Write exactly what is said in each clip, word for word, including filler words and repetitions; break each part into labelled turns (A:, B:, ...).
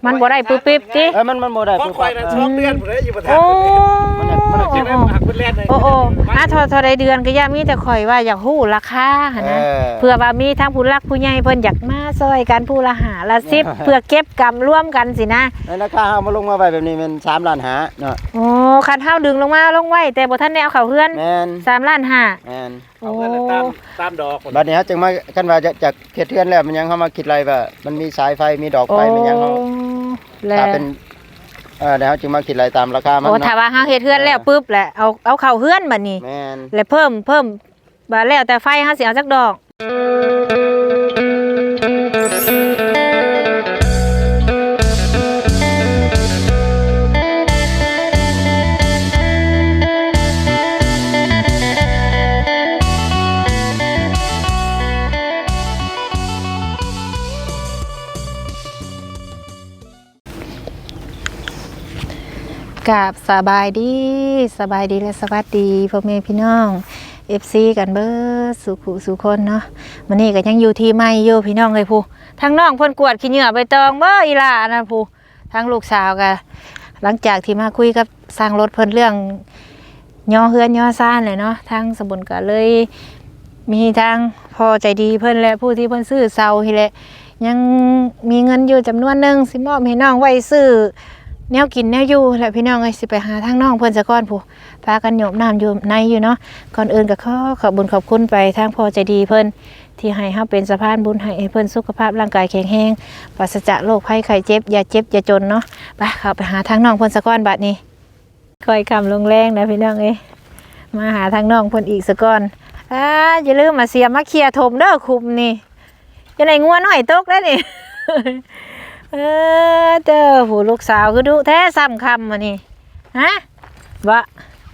A: มันบ่ได้ปึ๊บปิ๊บจิ
B: เออมันมันบ่ได้
C: ของข่อยน่ะสองเดือนพุ่นเลยอยู่บ่ทัน
A: โอ้
B: มันมัน
C: เก็บไว้หักเพิ่นแล่นเลย
A: โอ้โอ้อ่ะทอทอได้เดือนก็ย่ามีแต่ข่อยว่าอยากฮู้ราคาหั่นนะเพื่อว่ามีทั้งผู้รักผู้ใหญ่เพิ่นอยากมาซอยกันผู้ละห้าละสิบเพื่อเก็บกำร่วมกันสินะ
B: ในราคาเฮามาลงมาไว้แบบนี้มันสามล้านห้าเนาะ
A: โอ้คันเฮาดึงลงมาลงไว้แต่บ่ทันได้เอาเข้าเฮือน
B: แม่น
A: สามล้านห้า
B: แม่น
C: เอาเงินตามตามดอก
B: บัดนี้เฮาจึงมาคันว่าจะจากเฮ็ดเทือนแล้วมันยังเฮามาคิดไรว่ามันมีสายไฟมีดอกไฟมันยังเฮาถ้าเป็นเออแล้วจึงมาคิดไรตามราคามัน
A: โอ้ถ้าว่าเฮาเฮ็ดเฮือนแล้วปึ๊บแหละเอาเอาเข้าเฮือนบัดนี้
B: แม่น
A: แล้วเพิ่มเพิ่มบาแล้วแต่ไฟเฮาสิเอาจักดอกกับสบายดีสบายดีและสวัสดีพ่อแม่พี่น้อง เอฟ ซี กันเบิดสุขุสุคนเนาะมื้อนี้ก็ยังอยู่ที่ไม่อยู่พี่น้องเลยผู้ทั้งน้องเพิ่นกวดขี้เหงื่อใบตองเบ้ออีหล่านะผู้ทั้งลูกสาวก็หลังจากที่มาคุยกับสร้างรถเพิ่นเรื่องย่อเฮือนย่อซ่านเลยเนาะทางสมุนก็เลยมีทางพอใจดีเพิ่นและผู้ที่เพิ่นซื้อเซาที่แหละยังมีเงินอยู่จำนวนนึงสิมอบให้น้องไว้ซื้อแนวกินแนวอยู่แหละพี่น้องเอ้ยสิไปหาทางน้องเพิ่นซะก่อนผู้พากันโยมน้ำอยู่ในอยู่เนาะก่อนอื่นก็ขอขอบบุญขอบคุณไปทางพ่อใจดีเพิ่นที่ให้เฮาเป็นสะพานบุญให้เพิ่นสุขภาพร่างกายแข็งแรงปราศจากโรคภัยไข้เจ็บอย่าเจ็บอย่าจนเนาะไปเข้าไปหาทางน้องเพิ่นซะก่อนบัดนี้ค่อยคำลงแรงนะพี่น้องเอ้ยมาหาทางน้องเพิ่นอีกซะก่อนอ่าอย่าลืมมาเสียมาเคลียร์ถมเด้อคุมนี่จะได้งัวน้อยตกได้นี่เออเจ้าผู้ลูกสาวคือดุแท้ซ้ำคำมานี่ฮะวะ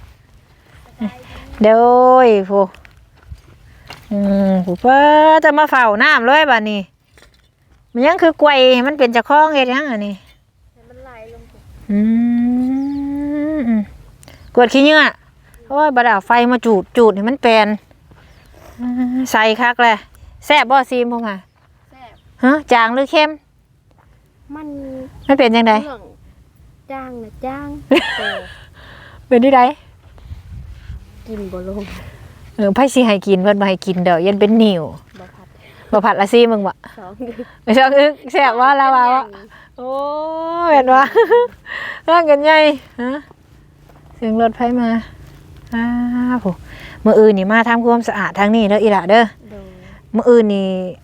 A: เดี๋ยวผู้อืมผู้เป้าจะมาเฝ้าน้ำเลยบ้านี่มันยังคือกวยมันเป็นจะคล้องเฮ็ดยังอันนี้มันไหลลงอืมกวดขี้เหงื่อเพราะว่าบดาไฟมาจูดจูดให้มันแปลนใส่คักเลยแซ่บบ่ซีมพวกมาแซ่บฮะจางหรือเข้มมันมันเป็นยังไง
D: จ้างนะจ้าง
A: เป็นที่ใด
D: กินบ่ลง
A: เออไผสิให้กินเพิ่นบ่ให้กินเด้อยันเป็นนิ่วบ่ผัดบ่ผัดละซี่มึงบ่สองอึกสองอึกแซ่บว่าแล้วว่าโอ้เห็นว่าร่างกันใหญ่ฮะเสียงรถไผมาอ้าโหมื้ออื่นนี่มาทำความสะอาดทางนี้เด้ออีหล่ะเด้อมื้ออื่นนี่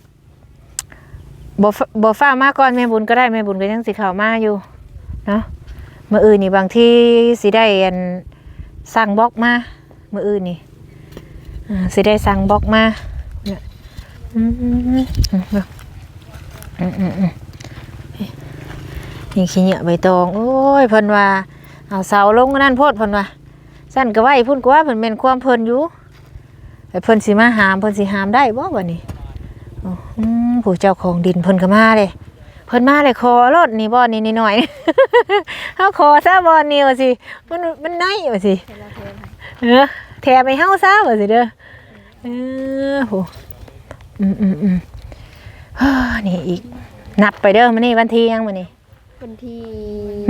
A: บ่บ่ฟ้ามาก่อนแม่บุญก็ได้แม่บุญก็ยังสิเข้ามาอยู่เนาะมื้ออื่นนี่บางทีสิได้อันสั่งบล็อกมามื้ออื่นนี่อ่าสิได้สั่งบล็อกมาเนี่ยอืมอืมอืมอืมนี่ขี้เหยาะใบตองโอ้ยเพิ่นว่าเอาเสาลงนั่นโพดเพิ่นว่าสั่นก็ไว้พุ่นกว่าเพิ่นเป็นความเพิ่นอยู่แต่เพิ่นสิมาหามเพิ่นสิหามได้บ่บัดนี้อืมผู้เจ้าของดินเพิ่นก็มาเลยเพิ่นมาเลยคอรถนี่บ่นี่นิดหน่อยเฮาคอซะบ่นี่ว่าสิมันมันน้อยว่าสิเออแถมให้เฮาซะว่าสิเด้อเออโหอืมๆๆนี่อีกนับไปเด้อมื้อนี้วันที่ยังมื้อนี้
D: วันที่
A: หึ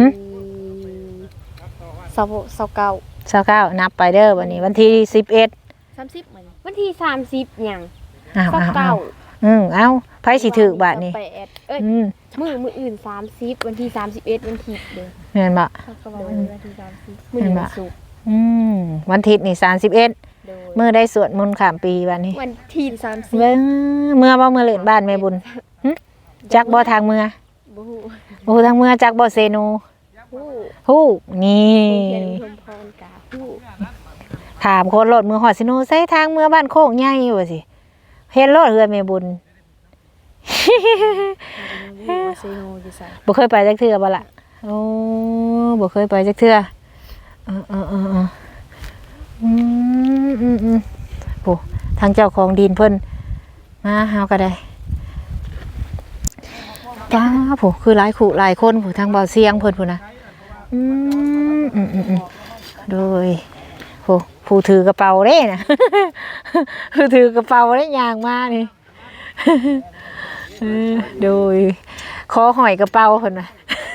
D: ยี่สิบเก้า
A: ยี่สิบเก้านับไปเด้อวันนี้วันที่สิบเอ็ด
D: สามสิบเหมือนวันที่สามสิบหยัง
A: อ้าว
D: เก้า
A: อืมเอ้าไผสิถูกบาดนี้
D: เอ้ยมื้อมื้ออื่นสามสิบวันที่สามสิบเอ็ดวันที่เด้อ
A: แม่นบ่
D: เขาก็ว่าวันที่สามสิบมื้อวันศุกร์
A: อืมวันอาทิตย์นี่สามสิบเอ็ดมื้อได้สวดมนต์ข้ามปีบัดนี้
D: วันที่สามสิบ
A: เบิ่งเมื่อบ่มื้อเล่นบ้านแม่บุญหึจักบ่ทางเมื่อ
D: บ่ฮู้
A: บ่ฮู้ทางเมื่อจักบ่เซโน
D: ฮู้
A: ฮู้นี่
D: เรียนพรพรกะฮู้
A: ถามคนรถมือฮอดซิโนใส่ทางเมื่อบ้านโคกใหญ่ว่าสิเห็นรถเฮือนแม่บุญบ่เคยไปจักเทื่อบ่ล่ะโอ้บ่เคยไปจักเทื่อเออๆๆอืมๆๆโอ้ทางเจ้าของดินเพิ่นมาเฮาก็ได้ป้าโหคือหลายคู่หลายคนผู้ทางเบาเสียงเพิ่นพุ่นน่ะอืมๆๆโดยโหผู้ถือกระเป๋าเด้น่ะผู้ถือกระเป๋าได้ย่างมานี่โดยขอหอยกระเป๋าเพิ่นน่ะ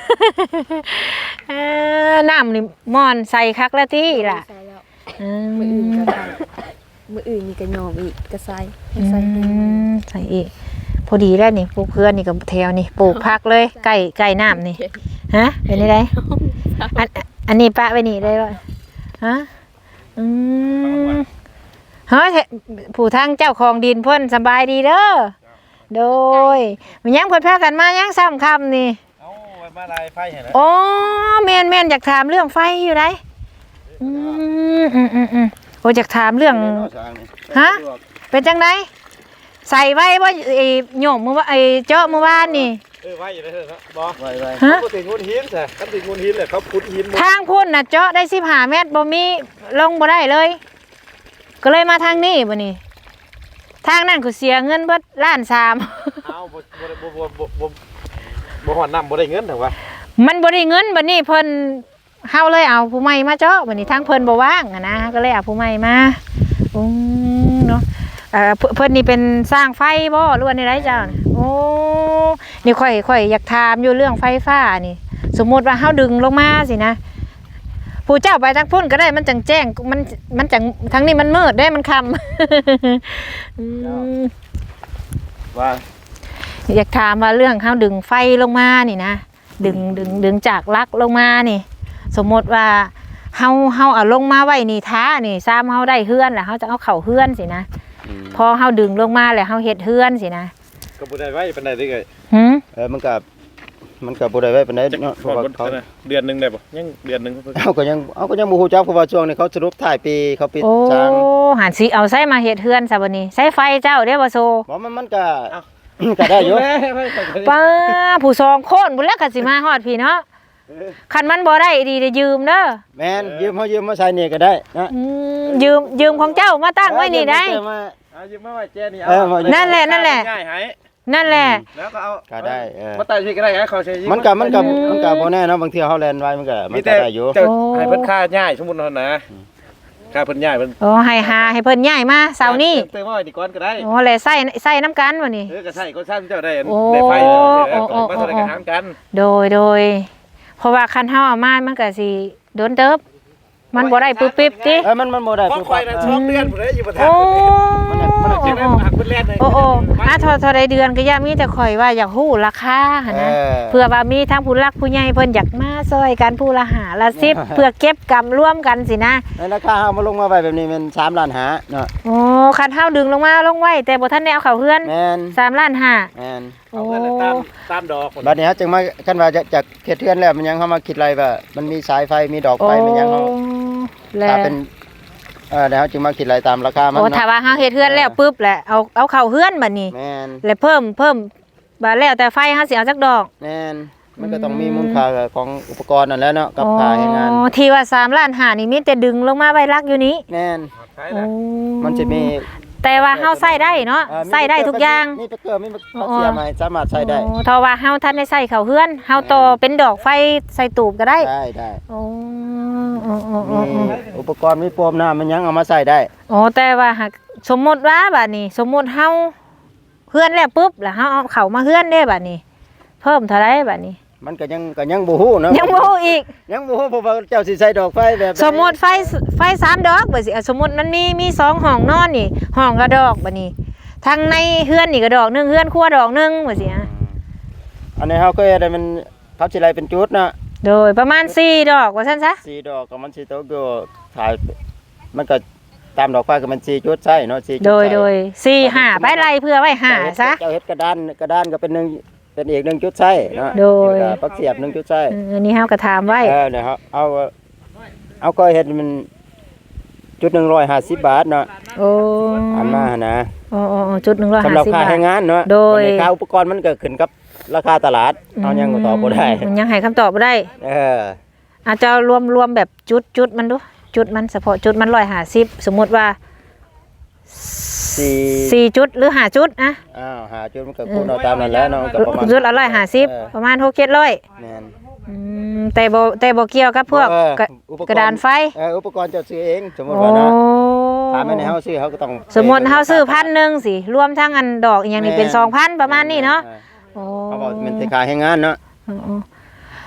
A: เอ่อน้ำนี่มอนใส่คักแล้วที่ล่ะ
D: ใส่แล้ว
A: อื
D: มืออื่น
A: ม
D: ก็ใส่มืออื่นนี่ก็ยอมอีกก็ใส่ให้
A: อื
D: ใส่ให้
A: มใส่อีกพอดีแล้วนี่ปลูกเพื่อนนี่กับแถวนี่ปลูกพักเลยไก่ไก่น้ำนี่ฮะเป็นยังไงอันอันนี้ปะไปนี่ได้ป่ะฮะอืมเฮ้ยผู้ทางเจ้าของดินเพิ่นสบายดีเด้อโดยมันยังเพิ่นพากันมายังซ้ำคำนี่
C: เอาไว้มาลายไฟเห็นไหม
A: โอ้แม่นแม่นอยากถามเรื่องไฟอยู่ไหนอืมอืมอืมอืมโอ้อยากถามเรื่อง ฮะ เป็นจังไดใส่ไว้ว่าไอ้โยมเมื่อวาไอ้เจาะเมื่อวานนี่
C: เออไว้อยู่ในเถอะครับบอ
B: ไว้ไว้
A: ฮะ
C: เขาถึงงูหินใช่เขาถึงงูหินเลยเขาพุดหิน
A: ทางพุ่นน่ะเจาะได้สิบห้าเมตรบ่มีลงบ่ได้เลย ก็เลยมาทางนี้บ่นี่ทางนั้นก็เสียเงินเบิดล้านสาม
C: เอาบ่บ่บ่บ่บ่บ่บ่หอนน้ำบ่ได้เงินแต่ว่า
A: มันบ่ได้เงินบัดนี้เพิ่นเฮาเลยเอาผู้ใหม่มาเจาะบัดนี้ทางเพิ่นบ่ว่างอะนะก็เลยเอาผู้ใหม่มาอืมเนาะเอ่อเพิ่นเพิ่นนี่เป็นสร้างไฟบ่หรือว่าในไรจ้าโอ้นี่ข่อยข่อยอยากถามอยู่เรื่องไฟฟ้านี่ สมมุติว่าเฮาดึงลงมาสินะผู้เจ้าไปทางพุ่นก็ได้มันจังแจ้งมันมันจังทางนี้มันมืดได้มันค่ำ อืม
B: ว่า
A: อยากถามว่าเรื่องเฮาดึงไฟลงมานี่นะดึงดึงดึงจากลักลงมานี่ สมมติว่าเฮาเฮาเอาลงมาไว้นี่ท้านี่ซ้ำเฮาได้เฮือนแล้วเฮาจะเอาเข่าเฮือนสินะพอเฮาดึงลงมาแล้วเฮาเฮ็ดเฮือนสินะ
C: ก็บ่ได้ไว้ปานใดเด้อ
A: หึ
B: เออมันก็มันก็บ่ได้ไว้ปานใด
C: จัก
B: เนาะเพ
C: ก่อ
B: ราะ
C: น
B: ว่า
C: บ่
B: เขา
C: เดือนนึงได้บ่ยังเดือนนึงเพิ่น
B: เอาก็ยังเอาก็ยังบ่ฮู้จักเพราะว่าช่วงนี้เขาสรุปถ่ายปีเขาปิด
A: โอ้
B: ทาง
A: หันสิเอาใส่มาเฮ็ดเฮือนซะบัดนี้ใช้ไฟเจ้าเด้บ่โซ
B: บ่มันมันก็ก็ได้อยู่
A: ป้าผู้สองคนพุ่นแล้วก็สิมาฮอดพี่เนาะคันมันบ่ได้ดีได้ยืมเด้อ
B: แม่นยืมเฮายืมมาใช้นี่ก็ได้นะ
A: อืมยืมยืมของเจ้ามาตั้งไว้นี่ได้
B: เออยืมมา
C: เอายืมมาไว้แจนี่
B: เออมา
A: นั่นแหละนั่นแหละ
C: ง่ายให้
A: นั่นแหละ
C: แล้วก็เอา
B: ก็ได้เออ
C: มาไต่ที่ก็ได้ให้เขาใช้
B: มันก็มันก็มันก็บ่แน่เนาะบางเที่ยเฮาแลนไว้มันก็มัน
C: มี
B: ก็
C: แต่
B: ได้อยู่
C: เจ้าให้เพิ่นค่าง่ายสมมุติเนาะนะค่าเพิ่นง่ายเพิ่น
A: โอ้ให้หาให้เพิ่นย้ายมาเสาร์นี้
C: เติมมาไว้ดีก่อนก็ได้
A: โอ้แลใส่ใส่น้ำกันบ่นี่
C: เออก็ใช่ก็ซ้ำเจ้าได้
A: โอ้
C: ได้ไฟเจ้าได้
A: โอ้โอ้
C: มาเท่าไหร่ก็หารกัน
A: โดยโดยเพราะว่าคันเฮาเอามามันก็สิโดนเติบมันบ่ได้ปึ๊บปิ๊บติ
B: เออมันมันบ่ได้
C: ของ
B: ปุ๊บ
C: ข่อ
B: ปั๊
C: ย
B: บ
C: น่ะ
B: เอ
C: สอ
B: อง
C: เดือนพุ่นเด้อยู่บ่ทัน
A: โอ้
B: มันน่ะมันน่ะ
C: เก็บได้หักเพิ่นแล่นเลย
A: โอ้โอ้อ่ะเท่าเท่าใดเดือนก็อย่ามีแต่ข่อยว่าอยากฮู้ราคาหั่นนะเพื่อว่ามีทั้งผู้หลักผู้ใหญ่เพิ่นอยากมาซอยกันผู้ละหาละสิบเพื่อเก็บกำร่วมกันสินะ
B: ในราคาเฮามาลงมาไว้แบบนี้มันสามล้านห้าเนาะ
A: โอ้คันเฮาดึงลงมาลงไว้แต่บ่ทันได้เอาเข้าเฮือน
B: แม่น
A: สามล้านห้า
B: แม่น
A: โอ้
C: เอาเงินตามตามดอก
B: บัดนี้ฮะจึงมาคันว่าจะจากเขตเทือนแล้วมันยังเข้ามาคิดอะไรว่ามันมีสายไฟมีดอกไฟมันยังเฮา
A: แล้
B: ถ้าว เป็นเออแล้วจึงมาคิดอะไรตามราคามัน
A: โอ้
B: เนาะ
A: ถ้าว่าเฮาเฮ็ดเฮือนแล้วปุ๊บแหละเอาเอาเข้าเฮือนบัดนี้
B: แม่น
A: แล้วเพิ่มเพิ่มบาแล้วแต่ไฟเฮาสิเอาจักดอก
B: แม่นมันก็ต้องมีมูลค่าของอุปกรณ์นั่นแหละเนาะกับค่าให้งาน
A: อ๋อที่ว่าสามล้านห้านี่มีแต่ดึงลงมาไว้รักอยู่นี้
B: แม่น
C: ใช่
A: โอ้
C: นะ
B: มันจะมี
A: แต่ว่าเฮาใส่ได้เนาะ
B: เอ่อมี
A: ใส่ได้ทุกอย่าง
B: มีตะเกียบมีตะเกียบมาสามารถใช้ได้
A: โอ้ถ้าว่าเฮาทันได้ใส่เข้าเฮือนเฮาต่อเป็นดอกไฟใส่ตูบก็ได้
B: ได้ได้
A: โอ้โอ้โอ้โอ้
B: มี
A: โอ้
B: อุปกรณ์มีโฟมน้ำมันยังเอามาใส่ได้
A: โอ้แต่ว่าหากสมมุติว่าบัดนี้ สมมุติเฮาเฮือนแล้วปุ๊บแล้วเฮาเอาเข้ามาเฮือนได้บัดนี้ เพิ่มเท่าไหร่บัดนี้
B: มันก็ยังก็ยังบ่ฮู้เนาะ
A: ยังบ่ฮู้อีก
B: ยังบ่ฮู้เพราะว่าเจ้าสิใส่ดอกไฟแบบใด
A: สมมุติไฟไฟสามดอกบัดสิอ่ะสมมุติมันมีมีสองห้องนอนนี่ห้องละดอกบัดนี้ทางในเฮือนนี่ก็ดอกหนึงเฮือนครัวดอกหนึงบัดสิอ่ะ
B: อันนี้เฮาเคยได้มันเขาสิไล่เป็นจุดเนาะ
A: โดยประมาณสี่ดอกว่าซั่นซะ
B: สี่ดอกก็มันสิตกอยู่ถ่ายมันก็ตามดอกไฟก็มันสี่จุดใช่เนาะสี่จุด
A: โดย
B: ใช่
A: โดยสี่ห้าไปไล่เพื่อไว้ห้าซะ
B: เจ้าเฮ็ดกระดานกระดานก็เป็นหนึ่งเป็นอีกหนึ่งจุดใช่เนาะ
A: โดย
B: แล้วก็ปักเสียบหนึ่งจุดใช่
A: เอออันนี้เฮาก็ถามไว้
B: เออเนี่ยครับเอาเอาก็เฮ็ดมันจุดหนึ่งร้อยห้าสิบบาทเนาะ
A: โอ้
B: อันมาหั่นนะ
A: โอ้โอ้โอ้จุดหนึ่งร้อย
B: สำ
A: ห้า
B: หรับ
A: สิบ
B: ค่า
A: บาท
B: ให้งานเนาะ
A: โดย
B: ในค่าอุปกรณ์มันก็ขึ้นกับราคาตลาดเอายังก็ตอบบ่ได้
A: มันยังให้คำตอบบ่ได้
B: เออ
A: อาจจะรวมรวมแบบจุดจุดมันดูจุดมันเฉพาะจุดมันร้อยห้าสิบสมมุติว่า
B: สี่
A: สี่จุดหรือห้าจุดนะ
B: อ้าวหาจุดมันก็คูณเอาตามนั้นแหล้วเนาะก็ประมาณ
A: จุดละร้อยห้าสิบ
B: เออ
A: ประมาณหกเจ็ดร้อย
B: แม่น
A: อืมแต่บ่แต่บ่เกี่ยวกับพวก
B: เออก
A: ระ
B: อุปกรณ์
A: กระดานไฟ
B: เอออุปกรณ์เจะซื้อเองสมมุติ
A: โอ้
B: ว่าเนาะถามแม่ในเฮาซื้อเขาก็ต้อง
A: สมมุติเฮาซื้อพันหนึ่งสิรวมทั้งอันดอกอีกอย่างนี้เป็นสองพันประมาณนี้เนาะ
B: ออ
A: โอ้
B: เขาบอกมันสิค่าให้งานเนาะ
A: อ๋อ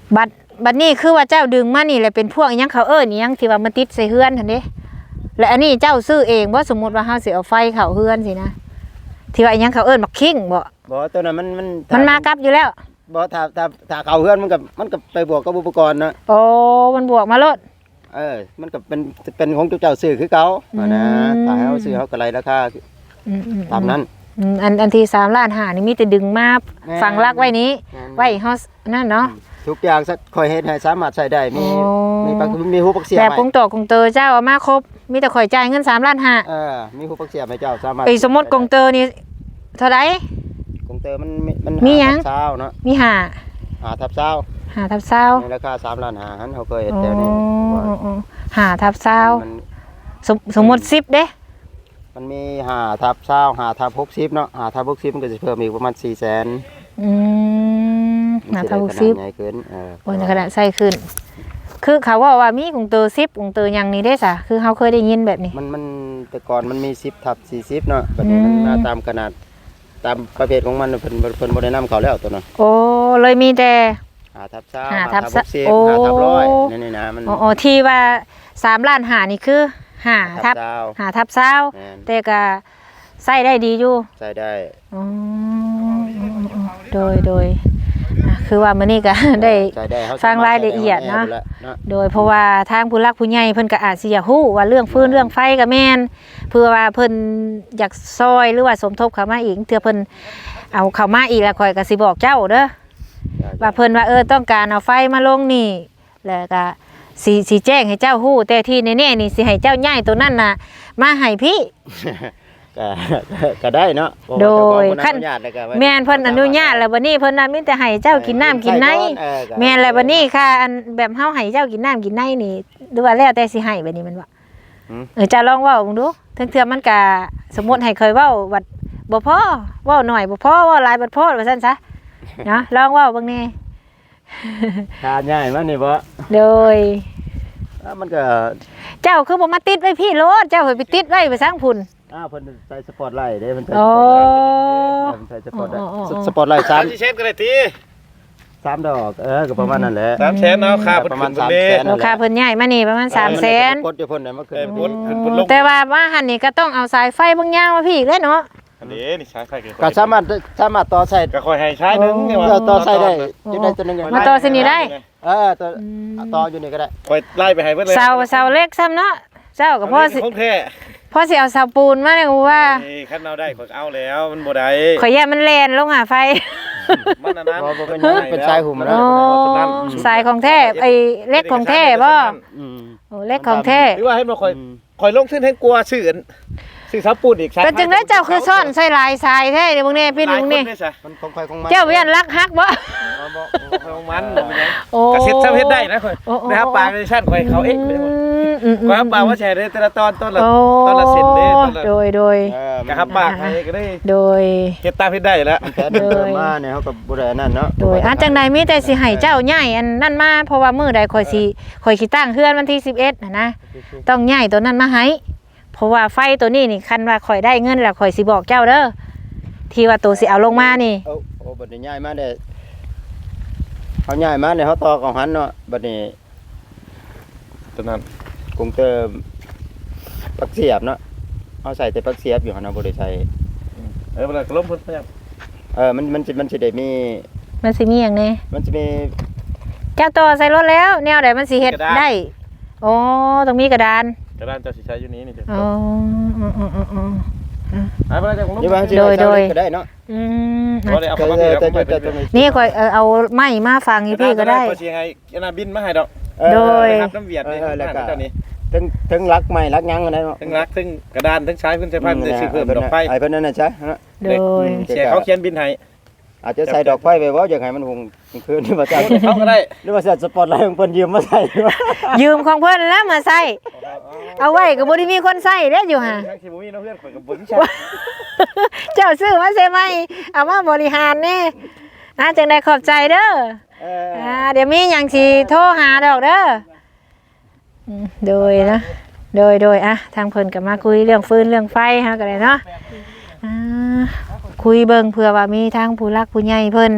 A: บัดบัดนี้คือว่าเจ้าดึงมานี่แหละเป็นพวกอิหยังเขาเอิ้นอิหยังที่ว่ามันติดใส่เฮือนหั่นเด้และอันนี้เจ้าซื้อเองบ่สมมุติว่าเฮาสิเอาไฟเข้าเฮือนสินะที่ว่าอิหยังเขาเอิ้นบักคิงบ่
B: บ่ตัวนั้นมันมัน
A: มันมากับอยู่แล้ว
B: บ่ถ้าถ้าถ้าเข้าเฮือนมันก็มันก็ไปบวกกับอุปกรณ์เนาะ
A: โอ้มันบวกมาโลด
B: เออมันก็เป็นเป็นของเจ้าซื้อคือเก่า
A: อืม
B: นะถ้าให้เฮาซื้อเฮาก็ไล่ราคา
A: อืมๆ
B: ตามนั้น
A: อืมอันอันที่สามล้านห้านี่มีแต่ดึงมา
B: แม่น
A: ฝังรักไว้นี้
B: แม่น
A: ไว้เฮานั่นเนาะ
B: ทุกอย่างสักค่อยเฮ็ดให้สามารถใช้ได้มี
A: โอ้
B: มีปักมีหูปักเสียบ
A: แบบ
B: ให้
A: กงโตกงเตอเจ้าเอามาครบมีแต่ข่อยจ่ายเงินสามล้านห้า
B: เออมีหูปักเสียบให้เจ้าสามารถ
A: ไอ้สมมุติกงเตอนี่เท่าไหร่
B: กงเตอมันมีมัน
A: มีหยัง
B: ห้าทับเช้าเนาะ
A: มีห้า
B: หาทับเช้า
A: ห้าทับเศร้า
B: ในราคาสามล้านห้าหันเขาเคยเห็น
A: โอ้
B: แถวนี้ว่า
A: ห้าทับเศร้า
B: มัน
A: สมสมมุติสิบเด้
B: มันมีห้าทับเช้าห้าทับหกสิบเนาะห้าทับหกสิบมันก็จะเพิ่มอีกประมาณสี่แสน
A: อืมห้าทับหกสิบ
B: ใหญ่เกินเออ
A: โอ้ยขนาดใส่ขึ้น คือเขาว่าว่ามีกงเตอสิบกงเตอหยังนี่ได้ซะคือเฮาเคยได้ยินแบบนี้
B: มันมันแต่ก่อนมันมีสิบทับสี่สิบเนาะบัดนี้มัน
A: อืม
B: มาตามขนาดตามประเภทของมันเพิ่นเพิ่นบ่ได้นำเขาแล้วตัวนั้น
A: โอ้เลยมีแต่
B: ห้าทับเช้า
A: ห้า
B: ห้า
A: ทั
B: ทั
A: บบ
B: หกสิบ
A: โอ้
B: ห้าทับร้อยนี่นี่นะมัน
A: อ๋ออ๋อที่ว่าสามล้านหานี่คือหาทับ
B: เช้า
A: หาทับเศร้า
B: แม่น
A: แต่ก็ใส่ได้ดีอยู่
B: ใช้ได้
A: อ๋อโดยโดยอ่ะคือว่ามื้อนี้ก็ ได้
B: ใช้ได้เฮ
A: ฟังรายละเอียดเนาะ
B: ใช้ได้เนาะ
A: โดยเพราะว่าทางผู้หลักผู้ใหญ่เพิ่นก็อาจสิอยากฮู้ว่าเรื่องฟืนเรื่องไฟก็แม่นเพื่อว่าเพิ่นอยากซอยหรือว่าสมทบเข้ามาอีกเทื่อเพิ่นเอาเข้ามาอีกแล้วข่อยก็สิบอกเจ้าเด้อว่าเพิ่นว่าเออต้องการเอาไฟมาลงนี่แล้วก็สิสิแจ้งให้เจ้าฮู้แต่ที่แน่ๆนี่สิให้เจ้าย้ายตัวนั้นน่ะมาให้พี่
B: ก็ก็ได้เนาะเพราะว่า
A: โดย
B: เจ้าของ
A: ขั้น
B: อนุญาตแล้วก็ไว้
A: แม่นเพิ่นอนุญาตแล้วบัดนี้เพิ่นน่ะมีแต่ให้เจ้ากินน้ำกินใน
B: เออก็
A: แม่นแล้วบัดนี้ค่ะอันแบบเฮาให้เจ้ากินน้ำกินในนี่ดูว่าแล้วแต่สิให้บัดนี้มันว่า
B: หืม
A: เออจะลองเว้าเบิ่งดูถึงเทื่อมันก็สมมุติให้เคยเว้าวัดบ่พอเว้าหน่อยบ่พอเว้าหลายบ่พอว่าซั่นซะเนาะลองเว้าเบิ่งแน่
B: ทานง่ายมันนี่บ่
A: โดย
B: อ่ะมันก็
A: เจ้าคือบ่มาติดไว้พี่โลดเจ้าไปติดไว้ไปสร้างพุ่น
B: อ้าวเพิ่นใส่สปอตไลท์เด้เพิ่นใส่
A: โอ้
B: สปอตไลท์เพิ่นใส่สปอตไลท์
A: อ๋ออ๋ออ๋อ
B: สปอตไลท์สา
C: สาม มสี่เซนก็ได้ที
B: สามดอกเออก็ประมาณนั้นแหละ
C: สามแสนเนาะค่าเพิ่น
B: ประมาณ
C: ขึ้น
B: สาม
C: เด้
B: แสน
A: ราคาเพิ่นใหญ่มานี่ประมาณสามแสน
B: กดอยู่เพิ่นน่ะมันขึ้น
C: เออ พุ่นขึ้นพุ่นลง
A: แต่ว่ามาหันนี่ก็ต้องเอาสายไฟบางอย่างมาพี่อีกแล้วเนาะ
C: อันนี้นี่ใช้ไฟ
B: ก็สามารถสามารถต่อใส่
C: ก็ค่อยให้ใช้หนึงเนี่ยว่า
B: เออต่อใส่ได้จุดใดจุดหนึง
A: มาต่อเส้นนี้ได้
B: เออต่อต่ออยู่นี่ก็ได้
C: ค่อยไล่ไปให้เพิ่นเลย
A: เสาเสาเล็กซ้ำเนาะเจ้ากับพ่อสิ
C: ของแท้
A: พ่อสิเอาเสาปูนมาเนี่ยกูว่า
C: นี่คันเอาได้ข่อยเอาแล้วมันบ่ได้
A: ข่อยแย่มันแลนลงหาไฟ
C: มันอันนั้น
B: บ่บ่เป็นหยังเป็นสายหุ่ม
A: โอ้
B: นะ
A: สายของแท้ไอ้เล็กของแท้บ่
B: อืม
A: โอ้เล็กของแท้
C: หรือว่าให้มาข่อยข่อยลงทุนให้กลัวชื่ออันชื่อซับปูนอีก
A: ก็จึงได้เจ้าคือซ่อนใส่ลายทรายแท้เดี๋ยวมึงนี่พี่มึงนี่
B: มันของใครของมัน
A: เจ้าเวียนรักฮักบ่
C: บ่บ่ของมันบ่เป็นหยัง
A: โอ้
C: กระเซ็ดซ้ำเฮ็ดได้นะข่อย
A: โอ้โอ้
C: นะครับปลาในชั้นข่อยเขาเอ๊ะ
A: อืมอืมอืม
C: ข่อยครับปลาว่าแชร์ได้แต่ละตอนต้นละ
A: โอ้
C: ต้นละเซนเด้ต้นละ
A: โดยโดย
B: เออ
C: กะครับปลาใครก็ได้
A: โดย
C: เฮ็ดตามเฮ็ดได้แล้ว
B: มันแผนเดิมมาเนี่ยเขาก็บ่ได้นั่นเนาะ
A: โดยอาจังใดมีแต่สิให้เจ้าใหญ่อันนั่นมาเพราะว่ามื้อใดข่อยสิข่อยสิตั้งเฮือนวันที่สิบเอ็ดน่ะนะต้องใหญ่ตัวนั้นมาให้เพราะว่าไฟตัวนี้นี่คันว่าข่อยได้เงินแล้วข่อยสิบอกเจ้าเด้อที่ว่าตัวสิเอาลงมานี่
B: เอาโอ้บัดนี้ย้ายมาได้เขาย้ายมาเนี่ยเขาต่อของหันเนาะบัดนี้
C: ตัวนั้น
B: กรุงเติมปักเสียบเนาะเอาใส่แต่ปักเสียบอยู่หั่นเนาะบ่ได้ใส่
C: เออมันก็ล้มเพิ่นพยายาม
B: เออมันมันสิมันสิได้มี
A: มันสิมีหยังแน่
B: มันสิมี
A: เจ้าต่อใส่รถแล้วแนวใดมันสิเฮ็ดได้อ๋อต้องมีกระดาน
C: กระดานเจ้าสิใช้อยู่นี้นี่เด้
A: อ๋ออ๋ออ๋ออ๋อ
C: หายไปแล้วจ้ะผมล้ม
B: นี่ว่าสิ
A: โดยโดย
B: ก็ได้เนาะ
A: อืม
C: บ่ได้เอา
B: แต่
C: เข้ามา
B: แต่
C: เดี๋ยว
B: แต่
C: ผมไป
B: แต่
C: เป็น
B: แต่
A: นี่ข่อยเออเอาไม้มาฟังอีพี่ก็ได้
C: ข่อยสิให้อันน่ะบินมาให้ดอก
A: โดย
C: ครับน้ำเวียดนี่
B: เออแล้วก็
C: เจ้านี่
B: ถึงถึงรักใหม่รักยังกันได้เนาะ
C: ทั้งรักทั้งกระดานทั้งใช้เพิ่นใช้ไฟมันจะสิเพิ่มดอกไฟ
B: ไอ้เพิ่นนั่นน่ะใช่เนาะ
A: โดย
C: เสียเขาเขียนบินให้
B: อาจจะใส่ดอกไฟไปบ่อยากให้มันหุงคืนนี่ว่าจะ
C: เขาก็ได้
B: หรือว่าใส่สปอตไลท์ของเพิ่นยืมมาใส่
A: ยืมของเพิ่นแล้วมาใส่เอาไว้ก็บ่ได้มีคนใส่เด้อยู่ห่า
C: ทั้งสิบ่มีน้องเพื่อนข่อยก็บ่มีใช่
A: เจ้าซื้อมาใช่ไหมเอามาบริหารนี่อ่าจังได้ขอบใจเด้อ
B: เออ
A: อ่าเดี๋ยวมีอย่างสิโทรหาดอกเด้ออืมโดยนะโดยโดยอ่ะทางเพิ่นก็มาคุยเรื่องฟืนเรื่องไฟฮะก็ได้เนาะอ่าคุยเบิ่งเผื่อว่ามีทางผู้รักผู้ใหญ่เพิ่น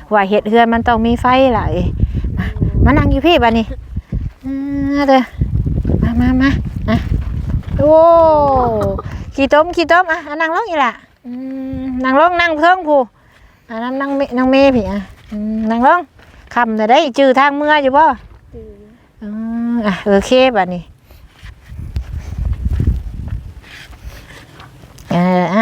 A: ว่าเฮ็ดเฮือนมันต้องมีไฟล่ะเอ้ยมามานั่งอยู่พี่บัดนี้อ่าเด้อมามามาอ่ะโอ้ขี้ต้มขี้ต้มอ่ะอ่ะนั่งลงอีหล่ะอืมนั่งลงนั่งเพิ่งผู้อ่ะนั่งนั่งเมนั่งเมพี่อ่ะอืมนั่งลงคำน่ะได้จื้อทางเมื่ออยู่บ่
D: ตื่น
A: อืมอ่ะโอเคบัดนี้เอออ่ะ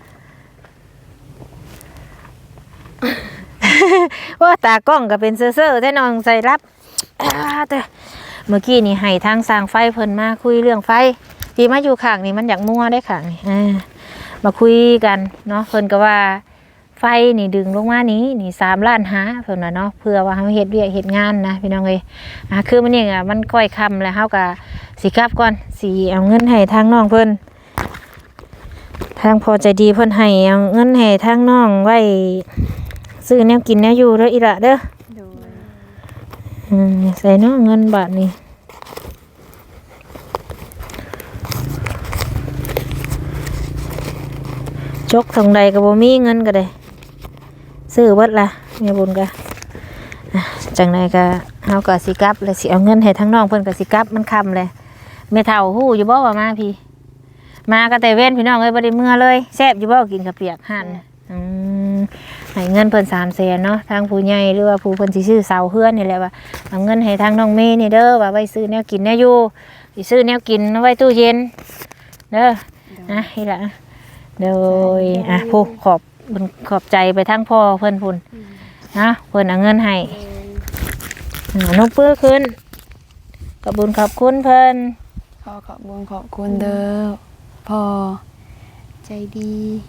A: ว่าตากล้องก็เป็นเซ่อๆแท้น้องใส่รับอ่าแต่เมื่อกี้นี่ให้ทางสร้างไฟเพิ่นมาคุยเรื่องไฟที่มาอยู่ข้างนี่มันอยากมั่วได้ข้างนี่อ่ามาคุยกันเนาะเพิ่นก็ว่าไฟนี่ดึงลงมานี้นี่สามล้านหาเพิ่นว่าเนาะเพื่อว่าเฮาเฮ็ดเวียกเฮ็ดงานนะพี่น้องเอ้ยอ่ะคือมันนี่อ่ะมันก้อยค่ำแล้วเฮาก็สิกลับก่อนสิเอาเงินให้ทางน้องเพิ่นทางพอใจดีเพิ่นให้เอาเงินให้ทางน้องไว้ซื้อแนวกินแนวอยู่เด้ออีหละเด้อ
D: โดย
A: อืมใส่เนาะเงินบาทนี่จกทางใดก็บ่มีเงินก็ได้ซื้อเบิดละแม่บุญก็อ่ะจังใดก็เฮาก็สิกลับแล้วสิเอาเงินให้ทางน้องเพิ่นก็สิกลับมันค่ำเลยแม่เฒ่าฮู้อยู่บ่ว่ามาพี่ มาก็แต่เว้นพี่น้องเอ้ยบ่ได้เมื่อเลยแซ่บอยู่บ่กินข้าวเปียกหั่นอืมให้เงินเพิ่นสามแสนเนาะทางผู้ใหญ่หรือว่าผู้เพิ่นสิซื้อเสาเฮือนนี่แหละว่าเอาเงินให้ทางน้องเมย์นี่เด้อว่าไว้ซื้อแนวกินแนวอยู่สิซื้อแนวกินเอาไว้ตู้เย็นเด้อนะนี่ล่ะโดยอ่ะผู้ขอบบุญขอบใจไปทางพ่อเพิ่นพุ่นนะเพิ่นเอาเงินให้อ่านกเปื้อขึ้นขอบบุญขอบคุณเพิ่น
E: ขอขอบคุณขอบคุณเด้อพอ
D: ใจดี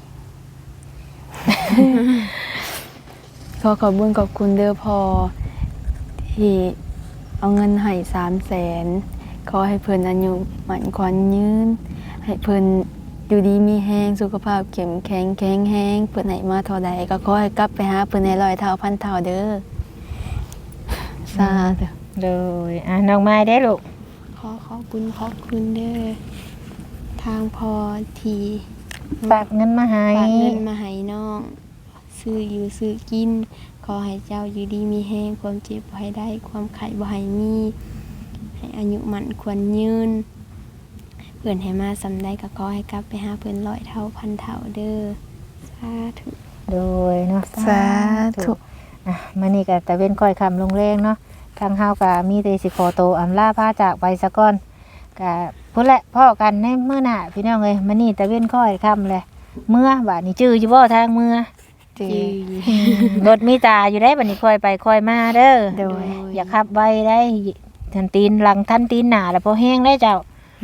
E: ขอขอบคุณขอบคุณเด้อพอที่เอาเงินให้สามแสนขอให้เพิ่นอายุหมันขวัญยืนให้เพิ่นอยู่ดีมีแห้งสุขภาพเข้มแข็งแข็งแห้งเพิ่นให้มาเท่าใดก็ขอให้กลับไปหาเพิ่นในร้อยเท่าพันเท่าเด้อสาธุ
A: โดยอ่ะน้องไม้ได้ลูก
D: ขอขอบคุณขอบคุณเด้อทางพอที
A: ฝากเงินมาให้
D: ฝากเงินมาให้น้องซื้ออยู่ซื้อกิน ขอให้เจ้าอยู่ดีมีแห้งความเจ็บบ่ให้ได้ความไข้บ่ให้มีให้อายุมันควรยืนเพื่อนให้มาสำได้ก็ขอให้กลับไปหาเพื่อนร้อยเท่าพันเท่าเด้อสาธุ
A: โดยเนาะ
E: สาธุ
A: อ่ะมื้อนี้ก็ตะเว้นค่อยค่ำลงแรงเนาะทางเฮาก็มีแต่สิขอโตวอำลาพาจากไปซะก่อนก็พุ่นแหละพ่อกันในมื้อหน้าพี่น้องเอ้ยมื้อนี้ตะเว้นค่อยค่ำแหละเมื่อบัดนี้จื้ออยู่บ่ทางเมื่อ
E: จี
A: รถมีตาอยู่ได้บัดนี้ค่อยไปค่อยมาเด้อ
E: โดย
A: อย่าขับไวได้ทันตีนหลังทันตีนหน้าแล้วพอแห้งได้เจ้า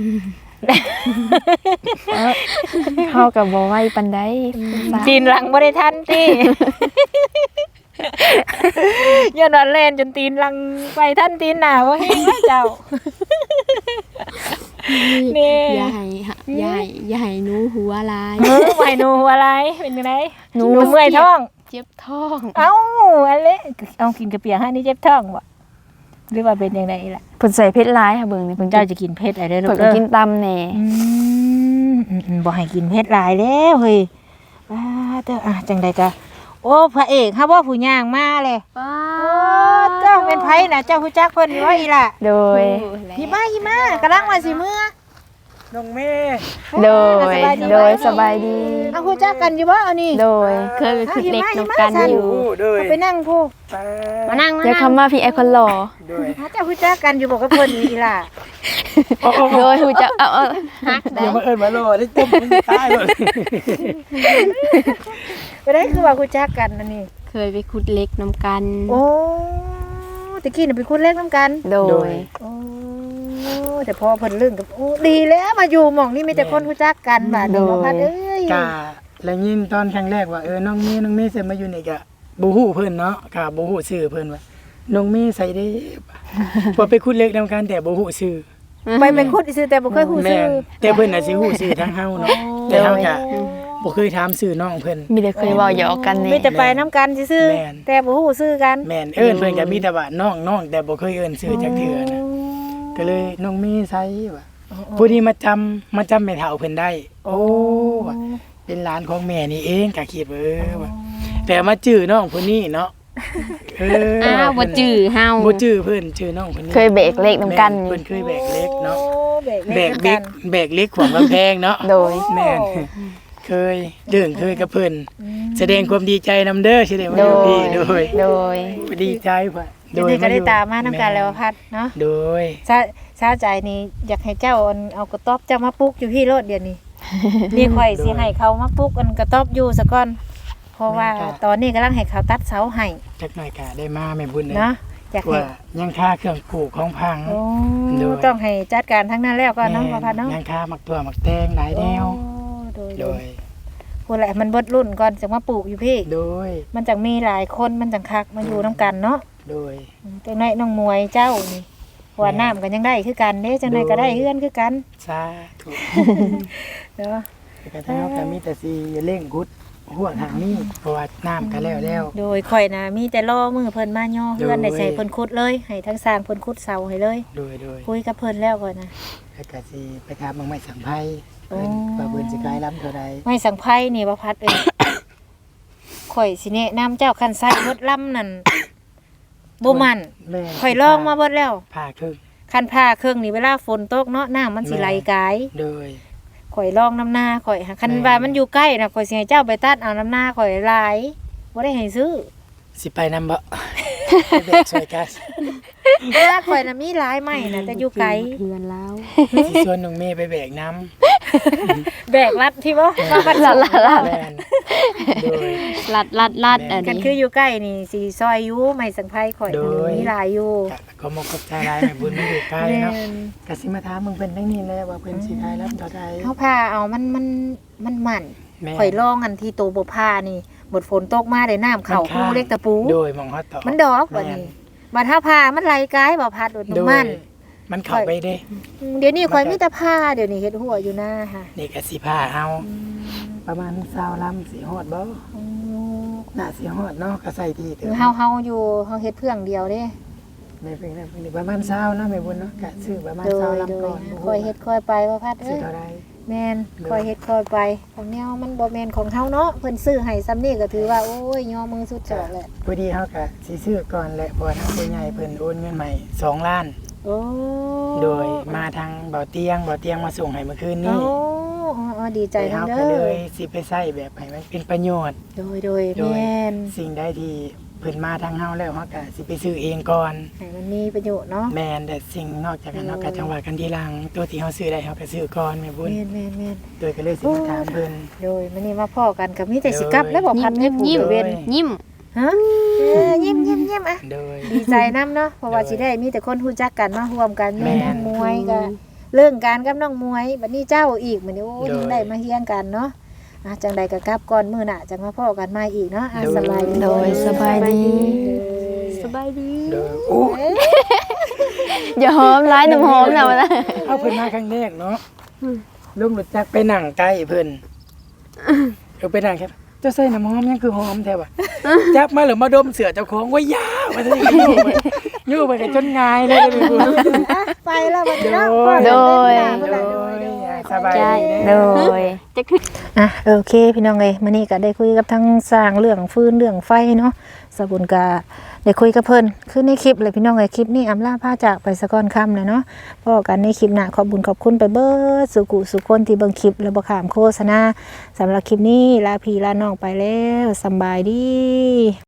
E: เข้ากับบ่ไหวปานใด
A: ตีนหลังบ่ได้ทันติ ย้อนว่าเล่นจนตีนหลังไปทันตีนหน้าบ่แห้งได้เจ้า นี่
D: อย่าให้ฮะอย่าให้อย่าให้หนูหัวลาย
A: เออไหวหนูอะไรเป็นจังไดหนูเมื่อยท้อง
D: เจ็บท้อง
A: เอ้าอันเละเอากินกระเปียกให้นี่เจ็บท้องบ่หรือว่าเป็นจังไดล่ะ
E: เพิ่นใส่เพชรร้ายค่ะเบิ่งนี่
A: เพิ่
E: เพิ่
A: น
E: น
A: เจ้าจะกินเผ็ดอะไรเด้อลู
E: เพิ่น
A: ก
E: ก็
A: เด้อ
E: กินตำแหน่
A: อืมอืมอืมบ่ให้กินเผ็ดหลายแล้วเฮ้ยว้าเด้ออ่ะจังไดก็โอ้พระเอกฮะบ่ผู้ย่างมาเลย
D: ป้า
A: โอ้เจ้าเป็นไผน่ะเจ้าฮู้จักเพิ่นอยู่ว่าอีล่ะ
E: โดย
A: หิมะหิมะกำลังว่าสิมื้อ
C: น้องเมย์
E: โดย โดยสบายดี
A: เอาฮู้จักกันอยู่บ่เอานี่
E: โดย
D: เคยไปขึ้นเล็กนำกันอยู่
C: อู้เด้อ
A: เอาไปนั่งผู้
D: มานั่งมา
E: อย่า
D: นั่ง
E: คำมาพี่ไอคอนหล่อ
C: เด้อ
A: หาเจ้าฮู้จักกันอยู่บ่กับเพิ่นนี่อีล่ะ
E: โดยหูจะเอาเอา
D: ฮักได้
C: อย่ามาเอิ้นมาโลได้ต้มมันตายเลย
A: บ่ได้คือว่าฮู้จักกันอันนี้
D: เคยไปขุดเล็กนำกัน
A: โอ้ตะกี้น่ะเป็นคนเล็กนํกัน
E: โดย
A: โอ้แต่พอเพิ่นเรื่องกับโอ้ดีแล้วมาอยู่หม่องนี้มีแต่คนรู้จักกันบาดนี้เนาะพัดเอ้ย
F: กะแล้วยินตอนครั้งแรกว่าเออน้องเมย์น้องเมย์เสร็จมาอยู่นี่กะบ่ฮู้เพิ่นเนาะกะบ่ฮู้ชื่อเพิ่นว่าน้องเมย์ใส่ได้ บ่ไปคุดเล็กนำกันแต่บ่ฮู้ชื่อ
A: ไปเป็นคนซื่อแต่บ่เคยฮู้
F: แม่
A: ชื่อน
F: แต่เพิ่นน่ะสิฮู้ชื่อทางเฮาเนาะแต่เฮากะบ่เคยถามชื่อน้องเพิ่น
E: มีแต่เคยเว้าหยอกกันนี่
A: มีแต่ไปนํกันซื่อ
F: แม่น
A: ๆแต่บ่ฮู้ชื่อกัน
F: แม่นเอิ้นเพิ่นก็มีแต่ว่าน้องน้องแต่บ่เคยเอิ้นชื่อจักเทื่อนะก็เลยน้องเมย์ใส่ว่าผู้นี้มาจำมาจำแม่เฒ่าเพิ่นได้ โอ้ว่าเป็นหลานของแม่นี่เองก็คิดว่าเออว่าแต่มาจื้อน้องผู้นี้เนาะเออ
D: อ้าวบ่จื้อเฮา
F: บ่จื้อเพิ่นชื่อน้องคนนี้
E: เคยเบรกเลขนํกัน
F: แม่เพิ่นเคยแบกเล็กเนาะ
A: โอ้แบก
F: แบ
A: เล็
F: ก
A: ก
F: เล็กแบกเล็กของกำแพงเนาะ
E: โดย
F: แม่นเคยเรื่องเคยกับเพิ่นแสดงความดีใจนำเด้อแสดงว่า
E: โด
F: อยู่
E: ย
F: พี่โดย
E: โดย
F: ดีใจพ่ะ
A: เดี๋ยวนี้ก็ได้ตามมานํกันแล้วพัดเนาะ
F: โดย
A: ซาซาใจนี่อยากให้เจ้าเอาเอากระต๊อบเจ้ามาปลูกอยู่พี่โลดเดี๋ยวนี้ นี่ข่อยสิให้เขามาปลูกอันกระต๊อบอยู่ซะก่อนเพราะว่าตอนนี้กำลังให้เขาตัดเสาให้
F: จักหน่อยก็ได้มาแม่บุญเลย
A: เนาะอยากให้
F: ว่ายังค่าเครื่องปลูกของพัง
A: โอ้
F: โดย
A: ต้องให้จัดการทั้งนั้นแล้วก็เนาะพ่อพัดเนาะ
F: ยังค่ามักตัวมักแตงหลายแนว
A: โอ้โดย
F: โด
A: โดย
F: ย
A: พูดแหละมันเบิดรุ่นก่อนจะมาปลูกอยู่พี่
F: โดย
A: มันจังมีหลายคนมันจังคักมาอยู่นํกันเนาะ
F: โดย
A: ตัวน้อยน้องมวยเจ้านี่หัวน้ำกันยังได้คือกันเด้จังไดก็ได้เฮือนคือกัน
F: สาธุ
A: เนาะ
F: แต่ก็เท่าก็มีแต่สิเร่งกุดหัวทางนี้เพราะว่าน้ำก็แล้วแล้ว
A: โดยข่อยนะมีแต่ล่อมือเพิ่นมาย่อเฮือน
F: โดย
A: ได้ใส่เพิ่นขุดเลยให้ทั้งสร้างเพิ่นขุดเสาให้เลย
F: โดยโดย
A: คุยกับเพิ่นแล้วก่อนนะ
F: แล้วก็สิไปถามเมืองไม่สังไพ่
A: โอ้
F: เพิ่นว่าเพิ่นสิขายล้ำเท่าใด
A: ไม่สังไพ่นี่บ่พัดเอ้ย ข่อยสิแนะนำเจ้าคันใส่เบิดลำนั่นบ่มัน
F: แม่
A: ข่อยลองมาเบิดแล้ว
F: ผ่าครึ่ง
A: คันผ้าเครื่องนี่เวลาฝนตกเนาะน้ำมันสิไหลกาย
F: โดย
A: ข่อยลองน้ำหน้าข่อยหาคัน
F: แม่
A: ว่ามันอยู่ใกล้น่ะข่อยสิให้เจ้าไปตัดเอาน้ำหน้าข่อยหลายบ่ได้ให้ซื้อ
F: สิไปนำบ่ ไปแบกซอยกัส
A: เวลาข่อยน่ะมีหลายไม้น่ะแต่อยู่ไกล
D: เพื่อนแล้ว
F: สิชวนน้องเมย์ไปแบกน้
A: แบกรัดที่บ่มาปัด
E: ลัดลัดลั
F: ำ
E: ด
F: แม่นโดย
D: ลัดลัดลัดอัน
A: กัน
D: นี้
A: คืออยู่ใกล้นี่สิซอยอยู่ไม้สังไพ่ข่อย
F: โดย
A: มีหลายอยู่
F: ก็ก็มกกับใจหลายแม่บุญมันอยู่ใกล้
A: แม่
F: เนาะ
A: น
F: ก็สิมาถามมึงเพิ่นทั้งนี้แหละว่าเพิ่นสิขายล้ำเท่าใด
A: เฮาพาเอามันมันมันมัน
F: แม่น
A: ข่อยลองอันที่โตบ่พานี่หมดฝนตกมาได้น้ำเข้า
F: มัน
A: หู
F: ข้าง
A: เล็กตะปู
F: โดยมองฮอดต่อ
A: มันดอกบัดนี้บัดถ้าพามันไหลกายบ่พัดโดด
F: โด
A: มั
F: ย
A: น
F: มันเข้าไปเด้
A: อืมเดี๋ยวนี้ข่อยมีแต่ผ้าเดี๋ยวนี้เฮ็ดหัวอยู่หน้าค่ะ
F: นี่ก็สิพาเอาประมาณสามลำสิฮอดบ่
A: อืม
F: น่าสิฮอดเนาะก็ใส่ที่เติ
A: คือเฮาเฮาอยู่เฮาเฮ็ดเพื่องเดียวเด้
F: แม่เพิ่นเพิ่นประมาณเช้าเนาะแม่บุญเนาะก็ซื้อประมาณ
A: โด
F: เช้าย ลำ
A: โด
F: ก่อย น
A: ค่อยเฮ็ดค่อยไปว่าพัด
F: สิ
A: เอ้ย
F: เท่าใด
A: แม่น
F: โดย
A: ค่อยเฮ็ดค่อยไปของแนวมันบ่แม่นของเฮาเนาะเพิ่นซื้อให้ซ้ำนี่ก็ถือว่าโอ้ยย่อมือสุดจอดแหละ
F: พอดีเฮาก็สิซื้อก่อนแหละเพราะว่าทางผู้ใหญ่เพิ่นโอนเงินใหม่สองล้าน
A: โอ้
F: โดยมาทางเบาเตียงเบาเตียงมาส่งให้เมื่อคืน
A: โอ้
F: นี้
A: อ๋อดีใจ
F: แต่
A: นํ
F: เฮา
A: เด้
F: ก็เล
A: อย
F: สิไปใช้แบบให้มันเป็นประโยชน์
A: โดยโดย
F: โดย
A: แม่น
F: สิ่งใดที่เพิ่นมาทางเฮาแล้วเฮาก็สิไปซื้อเองก่อน
A: ให้มันมีประโยชน์เนาะ
F: แม่นแต่สิ่งนอกจากนั้น
A: โดย
F: เฮาก็จังว่ากันทีหลังตัวที่เฮาซื้อได้เฮาก็ซื้อก่อนแม่บุญ
A: แม่นแม่นแม่น
F: โดยก็เลยสิมาถามเพิ่น
A: โดยมื้อนี้มาพ้อกันก็มีแต่สิกลับแล้วบ่พัดให้ผู้
D: ยิ้ม
A: เว้น
D: ยิ้ม
A: ฮะเออยิ้มยิ้มยิ้มอ่ะ
F: โดย
A: ดีใจนํเนาะเพราะว่า
F: โดย
A: สิได้มีแต่คนรู้จักกันมาร่วมกัน
F: แม่
A: แม่
F: น
A: น้องมวยก็เรื่องการกับน้องมวยบัดนี้เจ้าอีกมื้อนี้โอ้ย
F: โดย
A: ได้มาเฮียงกันเนาะอ่ะจังใดก็กลับก่อนมื้อหน้าจังมาพ้อกันใหม่อีกเนาะอ่ะ
F: โดย
A: สบายดี
E: โดยสบายดี
D: สบายดี
F: โดยโอ้
E: อย่าหอมร้ายน้ำหอมนะวะนะ
F: เอาเพิ่นมาครั้งแรกเนาะลุงรู้จักไปนั่งใกล้เพิ่นเออไปนั่งครับเจ้าใส่น้ำหอมยังคือหอมแท้ว่ะจับมาหรือมาดมเสือเจ้าของว่ายาวว่าซั่นอยู่ไปอยู่ไปกันจนงายเลยเลยบุญ
A: อ่ะไปแล้วบัดนี้เนาะ
F: โดย
A: พ้อกัน
F: โด
A: เล่นหน้า
F: ย
A: พุ่นล่ะโดย
F: สบายดี
E: โด
F: เด้อ
E: ย
A: อ่ะโอเคพี่น้องเอ้ยมื้อนี้ก็ได้คุยกับทั้งสร้างเรื่องฟืนเรื่องไฟเนาะสบุญก็ได้คุยกับเพิ่นคือในคลิปเลยพี่น้องเอ้ยคลิปนี้อำลาพาจากไปสะก่อนค่ำเลยเนาะพอกันในคลิปหน้าขอบคุญขอบคุณไปเบิดสุกุสุคนที่เบิ่งคลิปแล้วบ่ข้ามโฆษณาสำหรับคลิปนี้ลาพี่ลาน้องไปแล้วสำบายดี